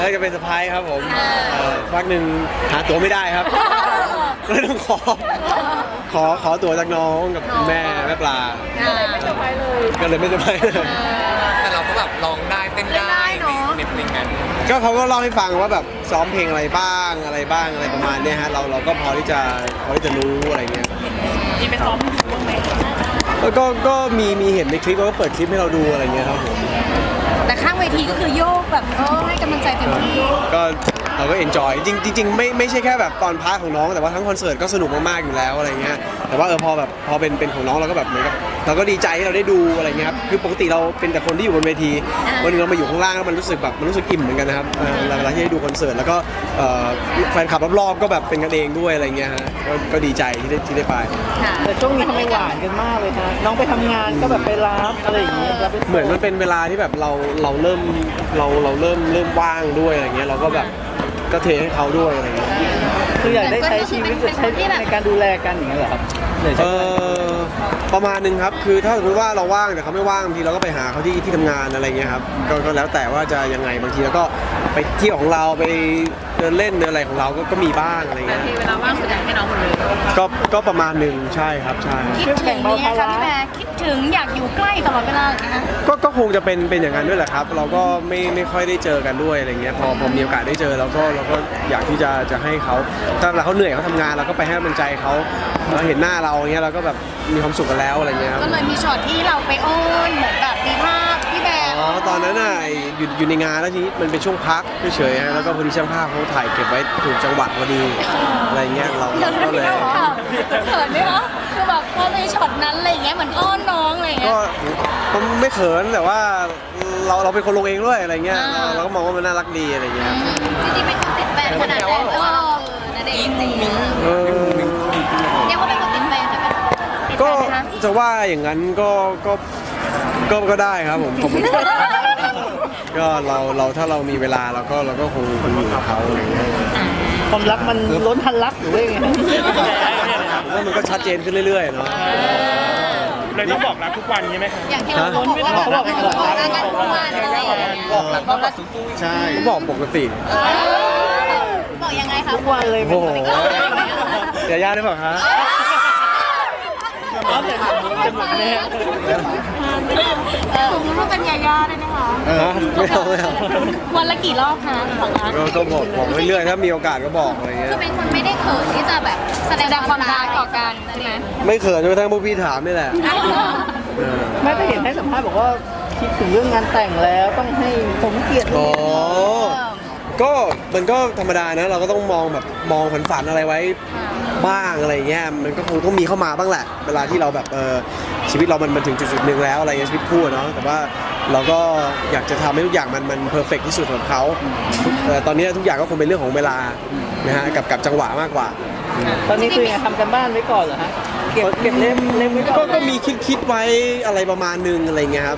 จะเป็นเซอร์ไพรส์ครับผมพักหนึ่งหาตั๋วไม่ได้ครับก็เลยต้องขอตั๋วจากน้องกับแม่ปลาไม่เซอร์ไพรส์เลยก็เลยไม่เซอร์ไพรส์เลยแต่เราก็แบบร้องได้เต้นได้ในเพลงนั้นก็เขาก็เล่าให้ฟังว่าแบบซ้อมเพลงอะไรบ้างอะไรประมาณเนี้ยฮะเราก็พอที่จะรู้อะไรเงี้ยมีไปซ้อมบ้างไหมแล้วก็มีเห็นในคลิปก็เปิดคลิปให้เราดูอะไรเงี้ยครับผมแต่ข้างเวทีก็คือโยกแบบให้กำลังใจเต็มที่ก็เราก็เอนจอยจริงไม่ใช่แค่แบบตอนพาร์ทของน้องแต่ว่าทั้งคอนเสิร์ตก็สนุกมากๆอยู่แล้วอะไรเงี้ยแต่ว่าพอเป็นของน้องเราก็แบบเหมือนกับเราก็ดีใจที่เราได้ดูอะไรเงี้ยครับคือปกติเราเป็นแต่คนที่อยู่บนเวทีวันนึงเรามาอยู่ข้างล่างแล้วมันรู้สึกอิ่มเหมือนกันนะครับเวลาที่ได้ดูคอนเสิร์ตแล้วก็แฟนคลับรอบๆก็แบบเป็นกันเองด้วยอะไรเงี้ยฮะก็ดีใจที่ได้ไปแต่ช่วงนี้ทำไมหวานกันมากเลยฮะน้องไปทำงานก็แบบไปรับอะไรอย่างเงี้ยเหมือนมันเป็นเวลาที่แบบเราเริ่มว่างด้วยอะไรเงี้ยเราก็แบบก็เทให้เขาด้วยอะไรเงี้ยคืออยากได้ใช้ชีวิตจะใช้ในการดูแลกันอย่างเงี้ยเหรอครับประมาณนึงครับคือถ้าสมมติว่าเราว่างแต่เขาไม่ว่างบางทีเราก็ไปหาเขาที่ทำงานอะไรเงี้ยครับก็แล้วแต่ว่าจะยังไงบางทีเราก็ไปเที่ยวของเราไปเดินเล่นเดินอะไรของเราก็มีบ้างอะไรเงี้ยเวลาว่างส่วนใหญ่ให้น้องหมดเลยก็ประมาณนึงใช่ครับใช่คิดถึงเนี่ยค่ะพี่แม่คิดถึงอยากอยู่ใกล้ตลอดเวลาเลยนะก็คงจะเป็นอย่างนั้นด้วยแหละครับเราก็ไม่ค่อยได้เจอกันด้วยอะไรเงี้ยพอมีโอกาสได้เจอเราก็อยากที่จะให้เขาถ้าเขาเหนื่อยเขาทำงานเราก็ไปให้กำลังใจเขาเห็นหน้าเราอย่างเงี้ยเราก็แบบมีความสุขกันแล้วอะไรเงี้ยก็เลยมีช็อตที่เราไปอ้อนเหมือนแบบมีภาพพี่แบมตอนนั้นน่ะอยู่ในงานแล้วทีนี้มันเป็นช่วงพักเฉยๆแล้วก็พอดีช่างภาพเขาถ่ายเก็บไว้ถูกจังหวะพอดีอะไรเงี้ยเราก็เลยเขินไหมคะคือแบบพอในช็อตนั้นอะไรเงี้ยเหมือนอ้อนน้องอะไรเงี้ยก็ไม่เขินแต่ว่าเราเป็นคนลงเองด้วยอะไรเงี้ยเราก็มองว่ามันน่ารักดีอะไรเงี้ยจริงๆเป็นคนติดแฟนขนาดนั้นนั่นเองจริงเรียกว่าเป็นคนติดแฟนใช่ไหมก็จะว่าอย่างนั้นก็ได้ครับผมก็เราถ้าเรามีเวลาเราก็คงอยู่กับเขาอะไรเงี้ยความรักมันล้นทันรักหรือว่าไงว่ามันก็ชัดเจนขึ้นเรื่อยๆเนาะเลยต้องบอกรักทุกวันใช่ไหมครับอย่างที่เราบอกกันทุกวันเลยบอกรักก็รักสู้ใช่บอกปกติบอกยังไงคะทุกวันเลยโอ้โหยาย่าได้บอกฮะจะหมดแน่ผมรู้ว่าเป็นยาย่าได้ไหมคะไม่เอาวันละกี่รอบคะของรักก็บอกเรื่อยๆถ้ามีโอกาสก็บอกอะไรเงี้ยคือเป็นคนไม่ได้เขินที่จะแบบแสดงความรักต่อกันใช่ไหมไม่เขินจนกระทั่งพวกพี่ถามนี่แหละไม่ก็เห็นให้สัมภาษณ์บอกว่าคิดถึงเรื่องงานแต่งแล้วต้องให้สมเกียรติก็มันก็ธรรมดานะเราก็ต้องมองฝันอะไรไว้บ้างอะไรเงี้ยมันก็คงต้องมีเข้ามาบ้างแหละเวลาที่เราแบบชีวิตเรามันถึงจุดหนึ่งแล้วอะไรเงี้ยชีวิตคู่เนาะแต่ว่าเราก็อยากจะทำให้ทุกอย่างมันเพอร์เฟกต์ที่สุดของเขาตอนนี้ทุกอย่างก็คงเป็นเรื่องของเวลานะฮะกับจังหวะมากกว่าตอนนี้คือทำกันบ้านไว้ก่อนเหรอฮะเก็บเล่มไว้ก่อนก็มีคิดไว้อะไรประมาณนึงอะไรเงี้ยครับ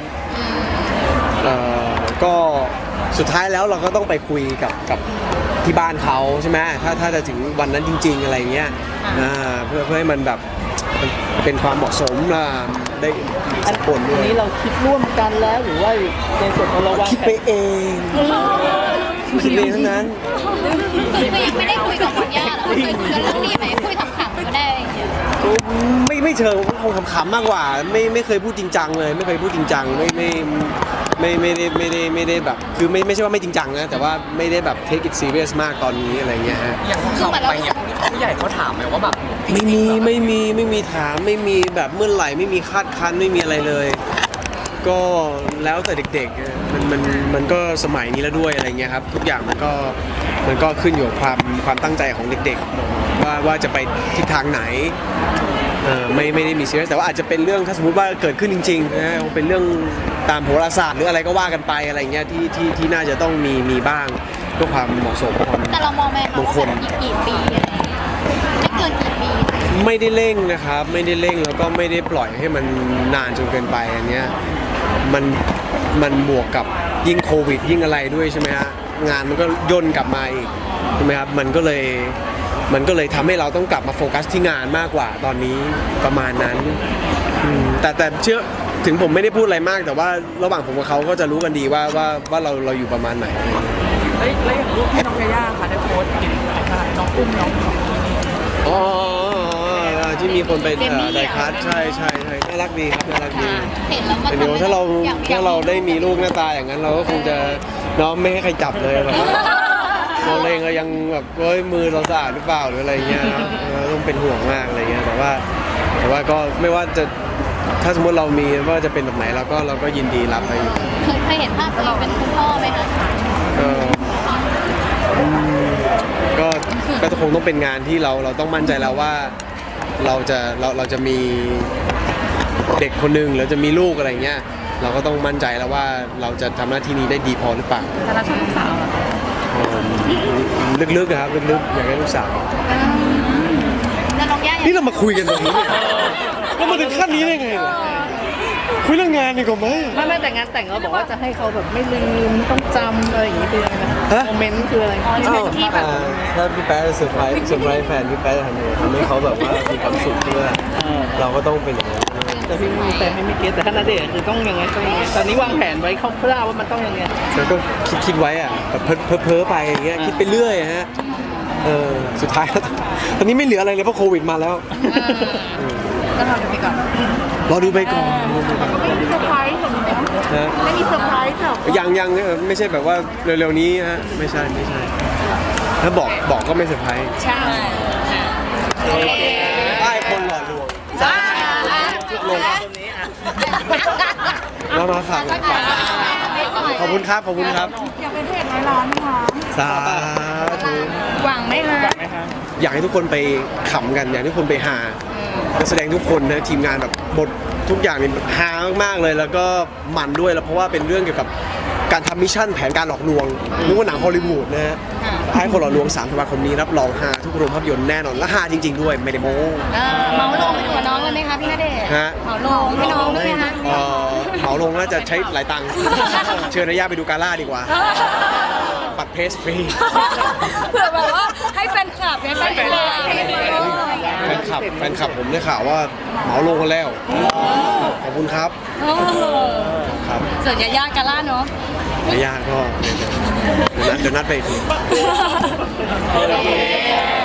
ก็สุดท้ายแล้วเราก็ต้องไปคุยกับที่บ้านเขาใช่ไหมถ้าจะถึงวันนั้นจริงๆอะไรเงี้ยเพื่อให้มันแบบเป็นความเหมาะสมได้สักคนด้วยอันนี้เราคิดร่วมกันแล้วหรือว่าในส่วนของเราคิดไปเองคิดเองทั้งนั้นคือยังไม่ได้คุยกับคุณย่าหรอเคยคุยกันเรื่องนี้ไหมคุยขำๆก็ได้ไม่เชิงคงขำๆมากกว่าไม่เคยพูดจริงจังเลยไม่เคยพูดจริงจังไม่ได้แบบคือไม่ใช่ว่าไม่จริงจังนะแต่ว่าไม่ได้แบบ take it serious มากตอนนี้อะไรเงี้ยฮะอย่างเขาไปเนี่ยผู้ใหญ่เขาถามไหมว่าแบบไม่มีถามไม่มีแบบเมื่อไหร่ไม่มีคาดคั้นไม่มีอะไรเลยก็แล้วแต่เด็กๆมันก็สมัยนี้แล้วด้วยอะไรเงี้ยครับทุกอย่างมันก็ขึ้นอยู่กับความตั้งใจของเด็กๆว่าจะไปทิศทางไหนไม่ได้มีซีเรียสแต่ว่าอาจจะเป็นเรื่องถ้าสมมติว่าเกิดขึ้นจริงๆนะเป็นเรื่องตามโหราศาสตร์หรืออะไรก็ว่ากันไปอะไรเงี้ยที่น่าจะต้องมีบ้างเพื่อความเหมาะสมแต่เรามองแม่เราว่าอีกกี่ปีไม่เกินกี่ปีไม่ได้เร่งนะครับไม่ได้เร่งแล้วก็ไม่ได้ปล่อยให้มันนานจนเกินไปอันเนี้ยมันบวกกับยิ่งโควิดยิ่งอะไรด้วยใช่ไหมฮะงานมันก็ย่นกลับมาอีกใช่ไหมครับมันก็เลยทำให้เราต้องกลับมาโฟกัสที่งานมากกว่าตอนนี้ประมาณนั้นแต่เชื่อถึงผมไม่ได้พูดอะไรมากแต่ว่าระหว่างผมกับเขาก็จะรู้กันดีว่าเราอยู่ประมาณไหนแแล้วอย่างรูปที่น้องยาย่าค่ะได้โพสต์เห็นอะไรน้องอุ้มน้องอ๋อที่มีคนไปไดคัสใช่น่ารักดีครับน่ารักดีเห็นแล้วมันเดี๋ยวถ้าเราได้มีลูกหน้าตาอย่างนั้นเราก็คงจะน้องไม่ให้ใครจับเลยแบบเราเองก็ยังแบบมือเราสะอาดหรือเปล่าหรืออะไรเงี้ยนะต้องเป็นห่วงมากอะไรเงี้ยแต่ว่าก็ไม่ว่าจะถ้าสมมติเรามีว่าจะเป็นแบบไหนเราก็ยินดีรับไปอยู่เคยเห็นภาพตัวเองเป็นคุณพ่อไหมคะก็คงต้องเป็นงานที่เราต้องมั่นใจแล้วว่าเราจะมีเด็กคนหนึ่งหรือจะมีลูกอะไรเงี้ยเราก็ต้องมั่นใจแล้วว่าเราจะทำหน้าที่นี้ได้ดีพอหรือเปล่าแต่เราชอบลูกสาวเหรอลึกๆครับลึกๆอยากให้ลูกสาวแล้วน้องย่านี่เรามาคุยกันตรงนี้เนี่ยแล้วมาถึงขั้นนี้ได้ไงเนี่ยคุยเรื่องงานดีกว่าไหมไม่แต่งานแต่งเราบอกว่าจะให้เขาแบบไม่ลืมต้องจำอะไรอย่างนี้คืออะไรนะโมเมนต์คืออะไรที่แบบถ้าพี่แป๊ะจะเซอร์ไพรส์แฟนพี่แป๊ะจะทำยังไงทำให้เขาแบบว่ามีความสุขด้วยเราก็ต้องเป็นอย่างนั้นแต่พี่มีแต่ให้ไม่เก็ตแต่ถ้าณเดชน์คือต้องยังไงตอนนี้วางแผนไว้คร่าวๆว่ามันต้องยังไงแล้วก็คิดไว้อะแบบเพ้อไปอย่างเงี้ยคิดไปเรื่อยฮะสุดท้ายแล้วตอนนี้ไม่เหลืออะไรเลยเพราะโควิดมาแล้วก็ทำไปก่อนรอดูไปก่อนไม่มีเซอร์ไพรส์หรอกเนาะนะไม่มีเซอร์ไพรส์หรอกยังไม่ใช่แบบว่าเร็วๆนี้ฮะไม่ใช่ถ้าบอกก็ไม่เซอร์ไพรส์ใช่ป้ายคนหล่อลวงลงแล้วมาสั่งขอบคุณครับขอบคุณครับอยากเป็นเพจร้อยล้านไหมคะสาธุหวังไหมคะอยากให้ทุกคนไปขำกันอยากให้ทุกคนไปหานักแสดงทุกคนนะทีมงานแบบบททุกอย่างนี่ฮามากๆเลยแล้วก็มันด้วยแล้วเพราะว่าเป็นเรื่องเกี่ยวกับการทำมิชชั่นแผนการหลอกลวงนึกว่าหนังฮอลลีวูดนะฮะให้คนหลอกลวง3 ธันวาคมนี้รับรองฮาทุกโรงภาพยนตร์แน่นอนและฮาจริงๆด้วยไม่ได้โม้เหมาลงไปดูกับน้องเลยไหมคะพี่ณเดชน์ฮะเหมาลงให้น้องด้วยไหมคะเหมาลงน่าจะใช้หลายตังค์เชิญนายาไปดูกาล่าดีกว่าบัตรเพสฟรีเผื่อแบบว่าให้แฟนคลับเนี่ยแฟนคลับแฟนคลับผมได้ข่าวว่าเหมาลงกันแล้วขอบคุณครับครับส่วนยาย่ากาล่าเนาะนายาก็เดี๋ยวนัดไปอีกที